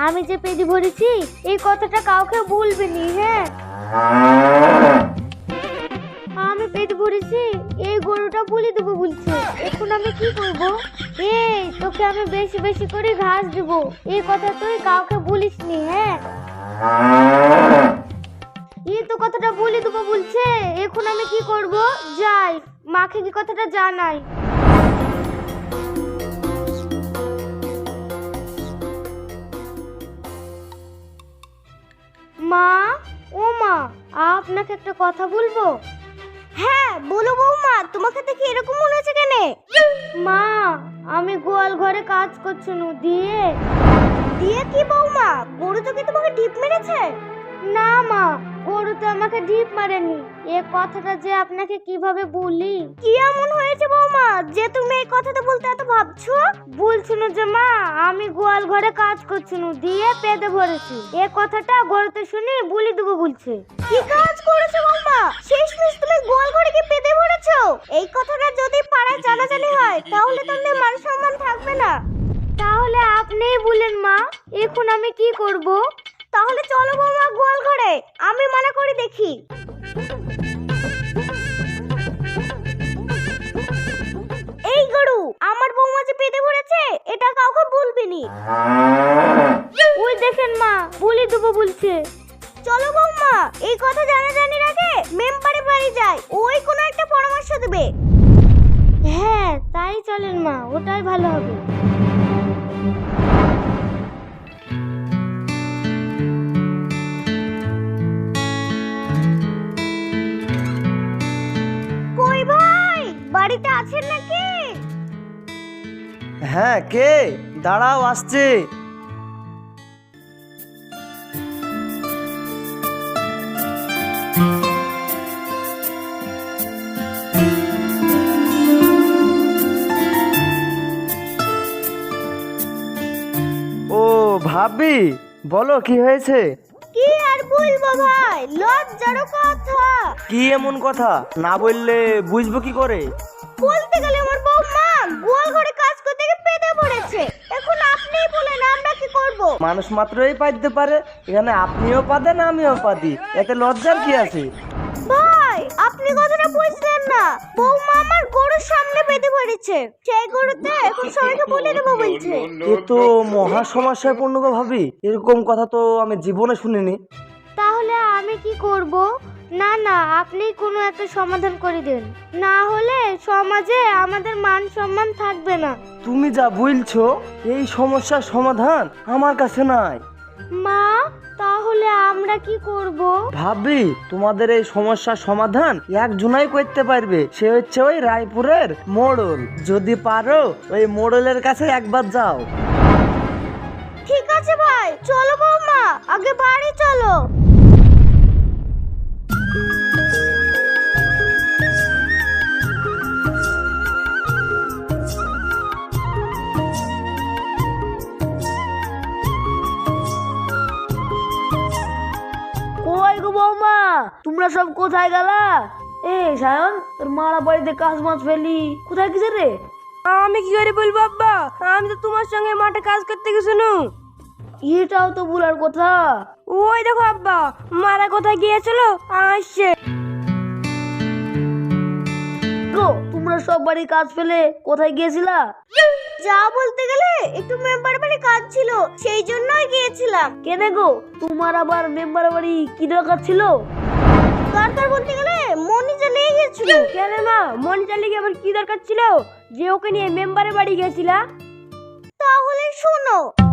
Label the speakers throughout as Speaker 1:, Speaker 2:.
Speaker 1: আমি যে পেদি ভরেছি এই কথাটা কাউকে বলবেনি, হ্যাঁ? আমি পেট ভরেছি এই গরুটা বলি দেবো বলছে, এখন আমি কি করব? এই তোকে আমি বেশি বেশি করে ঘাস দেবো, এই কথা তুই কাউকে বলিসনি, হ্যাঁ? এই তো কথাটা বলি দেবো বলছে, এখন আমি কি করব? যাই মাকে কি কথাটা জানাই। মা, ও মা, আপনাকে একটা কথা বলবো। হ্যাঁ বলো বৌমা, তোমাকে দেখে এরকম মনে হচ্ছে কেন? মা, আমি গোয়াল ঘরে কাজ করছি নু দিয়ে। দিয়ে কি বৌমা, গরু তো কি তোমাকে ঢিপ মেরেছে? না মা, গরু তো আমাকে ঢিপ মারেনি। এই কথাটা যে আপনাকে কিভাবে বলি? কি এমন হয়েছে বৌমা যে তুমি এই কথাটা বলতে এত ভাবছো? বলছিনু যে মা, আমি গোয়াল ঘরে কাজ করছিনু দিয়ে পেদে ভরেছি, এই কথাটা গরুতে শুনে বলি দেবো বলছে। কি কাজ করেছো বৌমা? শেষমেশ তুমি গোয়াল ঘরে কি পেদে ভরেছো? এই কথাটা যদি পাড়ায় জানাজানি হয় তাহলে তোমাদের মান সম্মান থাকবে না। তাহলে আপনিই বলেন মা, এখন আমি কি করব? তাহলে চলো বৌমা গোয়াল ঘরে, আমি মানা করে দেখি। এই গরু আমার বৌমা যে পেটে ভরেছে এটা কাউকে বলবিনি। ওই দেখেন মা, বলি দেবো বলছে। চলো বৌমা, এই কথা জানাজানির আগে মেম্বারে বাড়ি যাই, ওই কোনো একটা পরামর্শ দেবে। হ্যাঁ তাই চলেন মা, ওটাই ভালো হবে। কই ভাই, বাড়িতে আছেন নাকি?
Speaker 2: হ্যাঁ, কে? দাঁড়াও, আসছে। ও ভাবি, বলো কি হয়েছে?
Speaker 1: কি আর বলবো ভাই, লজ্জার কথা।
Speaker 2: কি এমন কথা? না বললে বুঝবো কি করে?
Speaker 1: বলতে গেলে আমার বৌমা গোয়াল ঘরে কাজ করতে গিয়ে পেটে পড়েছে, এখন আপনিই বলেন আমরা কি করব?
Speaker 2: মানুষ মাত্রই পাইতে পারে, এখানে আপনিও পাদেন আমিও পাদি, এতে লজ্জার কি আছে?
Speaker 1: ভাই আপনি কথাটা বুঝলেন না, বৌমা আমার গরুর সামনে পেটে পড়েছে, সেই গরুতে এখন সবাইকে বলে দেবো বলছে।
Speaker 2: এ তো মহা সমস্যায় পূর্ণ গো ভাবি, এরকম কথা তো আমি জীবনে শুনিনি।
Speaker 1: তাহলে আমি কি করব? না না, আপনি কোনো একটা সমাধান করে দেন, না হলে সমাজে আমাদের মান সম্মান থাকবে না।
Speaker 2: তুমি যা বলছো এই সমস্যার সমাধান আমার কাছে নাই।
Speaker 1: মা, তাহলে আমরা কি করব?
Speaker 2: ভাবি, তোমাদের এই সমস্যার সমাধান একজনাই করতে পারবে, সে হচ্ছে ওই রায়পুরের মোড়ল। যদি পারো ওই মোড়লের কাছে একবার যাও।
Speaker 1: ঠিক আছে ভাই, চলো বৌমা, আগে বাড়ি চলো।
Speaker 3: কই গো বৌমা, তোমরা সব কোথায় গেলা? এ সায়ন, তোর মারা বাড়িতে কাজ মাছ ফেলি, কোথায় গেছে রে? আমি কি করে বলবো আব্বা, আমি তো তোমার সঙ্গে মাঠে কাজ করতে গেছিল। এটাও তো বলার কথা। ওই দেখো আব্বা, মারা কোথায় গিয়েছিল, আসছে। গো, তোমরা সব বাড়ি কাজ ফেলে কোথায় গিয়েছিলা?
Speaker 1: যা বলতে গেলে একটু মেম্বার বাড়ি কাজ ছিল, সেই জন্যই গিয়েছিলাম।
Speaker 3: কেন গো, তোমার আবার মেম্বার বাড়ি কি দরকার ছিল?
Speaker 1: দরকার বলতে গেলে মনিজা নিয়ে গেছিল।
Speaker 3: কেন মা, মন চালিয়ে গিয়ে আবার কি দরকার ছিল যে ওকে নিয়ে মেম্বারের বাড়ি গেছিলা?
Speaker 1: তাহলে শোনো,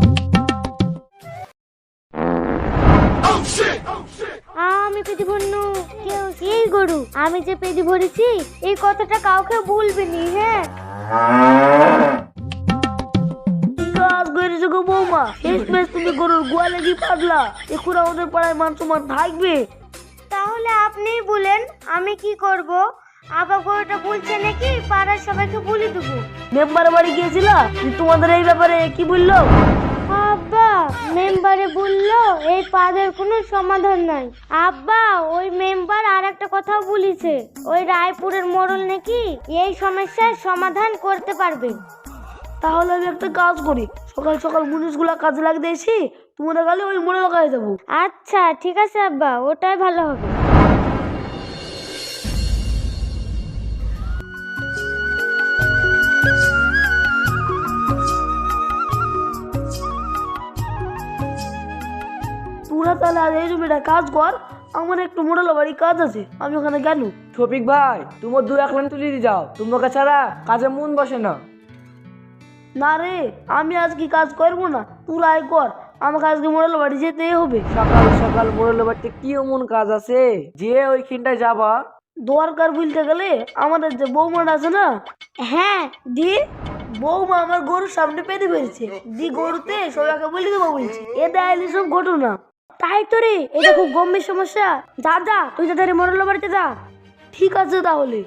Speaker 1: আমি পেটি ভরনু, কেউ এই গরু আমি যে পেটি ভরেছি এই কথাটা কাউকে বলবেনি, হ্যাঁ?
Speaker 3: কাজ করেছো গো বৌমা, শেষমেশ তুমি গরুর গোয়ালে গিয়ে পারলা, এখন আমাদের পাড়ায় মান সম্মান থাকবে?
Speaker 1: তাহলে আপনিই বলেন আমি কি করব? আবার গরুটা বলছে নাকি পাড়ার সবাইকে বলে দেবো।
Speaker 3: মেম্বারের বাড়ি গিয়েছিলা, তোমাদের এই ব্যাপারে কি বললো?
Speaker 1: আব্বা মেম্বারে বললো এই পাদের কোনো সমাধান নাই। আব্বা ওই মেম্বার আর একটা কথাও বলেছে, ওই রায়পুরের মোড়ল নাকি এই সমস্যার সমাধান করতে পারবে।
Speaker 3: তাহলে আমি একটা কাজ করি, সকাল সকাল মুনিশগুলা কাজে লাগতে এসে তোমরা গেলে ওই মোড়ে লাগাই যাবো।
Speaker 1: আচ্ছা ঠিক আছে আব্বা, ওটাই ভালো হবে।
Speaker 3: তোরা তাহলে আর এই জমিটা কাজ কর, আমার একটু মোড়ালো বাড়ি কাজ আছে, আমি ওখানে গেল।
Speaker 2: শফিক ভাই, তোমার 2-1 লাইন তুলে দিয়ে যাও, তোমাকে ছাড়া কাজে মন বসে না।
Speaker 3: না রে, আমি আজকে কাজ করবো না, তোরা আয় কর, আমাকে আজকে মোড়ালো বাড়ি যেতেই হবে।
Speaker 2: সকাল সকাল মোড়ের বাড়িতে কি এমন কাজ আছে যে ওইখানটায় যাবা?
Speaker 3: দরকার বলতে গেলে আমাদের যে বৌমাটা আছে না,
Speaker 1: হ্যাঁ দি,
Speaker 3: বৌমা আমার গরুর সামনে পেতে ফেলছে, দি গরুতে সবাইকে বলে দেবো বলছে, এটা এলি সব ঘটনা।
Speaker 1: তাই তো রে, এটা খুব গম্ভীর সমস্যা। যা যা, তুই তাদের মোড়ল বাড়িতে যা।
Speaker 3: ঠিক আছে তাহলে।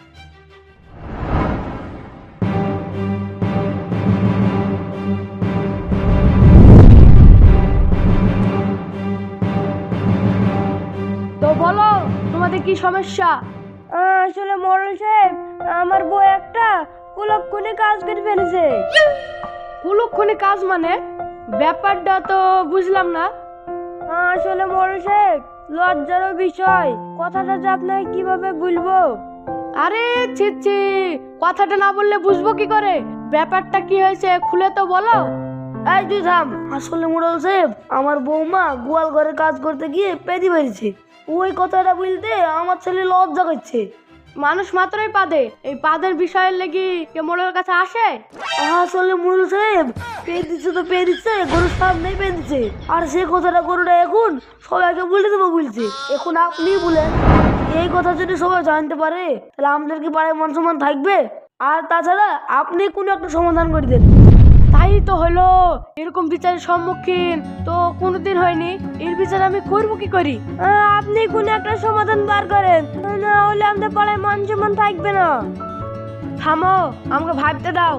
Speaker 1: তো বলো তোমাদের কি সমস্যা? আসলে মোড়ল সাহেব, আমার বউ একটা কুলক্ষণে কাজ করে ফেলেছে। কুলক্ষণে কাজ মানে? ব্যাপারটা তো বুঝলাম না। আসলে মোড়ল সাহেব, লজ্জারও বিষয়, কথাটা যে আপনাকে কিভাবে বলবো। আরে ছি ছি, কথাটা না বললে বুঝবো কি করে? ব্যাপারটা কি হয়েছে খুলে তো বলো।
Speaker 3: এই তুই থাম। আসলে মোড়ল সাহেব, আমার বৌমা গোয়াল ঘরে কাজ করতে গিয়ে পেদি বেরিয়েছে, ওই কথাটা বলতে আমার ছেলে লজ্জা করছে।
Speaker 1: মানুষ মাত্রই পাদে, এই পাদের বিষয়ের লেগে কে মোড়লের কাছে আসে?
Speaker 3: আসলে মোড়ল সাহেব, পেয়ে দিচ্ছে তো পেয়ে দিচ্ছে, গরুর সামনেই পেয়ে দিচ্ছে, আর সে কথাটা গরুটা এখন সবাইকে বলে দেবো বলছে। এখন আপনি বলেন, এই কথা যদি সবাই জানতে পারে তাহলে আমাদের কি পাড়ায় মান সম্মান থাকবে? আর তাছাড়া আপনি কোনো একটা সমাধান করে দেন।
Speaker 1: তাই তো হলো, এরকম বিচারের সম্মুখীন তো কোনোদিন হয়নি, এর বিচার আমি করবো কি করি? আপনি কোনো একটা সমাধান বার করেন, না হলে আমাদের পাড়ায় মান সম্মান থাকবে না। থামো, আমাকে ভাবতে দাও।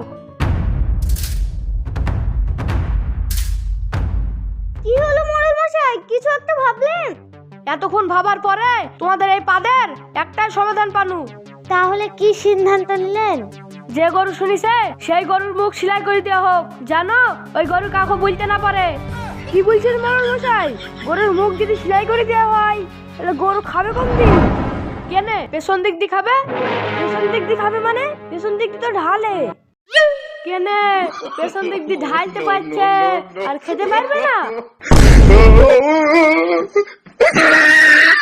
Speaker 1: কি হলো মোড়ল মশাই, কিছু একটা ভাবলেন? এতক্ষণ ভাবার পরে তোমাদের এই পাদের একটাই সমাধান পানু। তাহলে কি সিদ্ধান্ত নিলেন? যে গরু শুনিছে সেই গরুর মুখ সেলাই করে দেওয়া হোক, জানো ওই গরু কাকু বলতে না পারে। কি বলছেন মোড়ল মশাই? গরুর মুখ যদি সেলাই করে দেওয়া হয় তাহলে গরু খাবে কোন দিক? কেনে পেছন দিক দিয়ে খাবে? পেছন দিক দিয়ে খাবে মানে? পেছন দিক দিয়ে তো ঢালে। কেনে পেছন দিক দিয়ে ঢালতে পারছে আর খেতে পারবে না?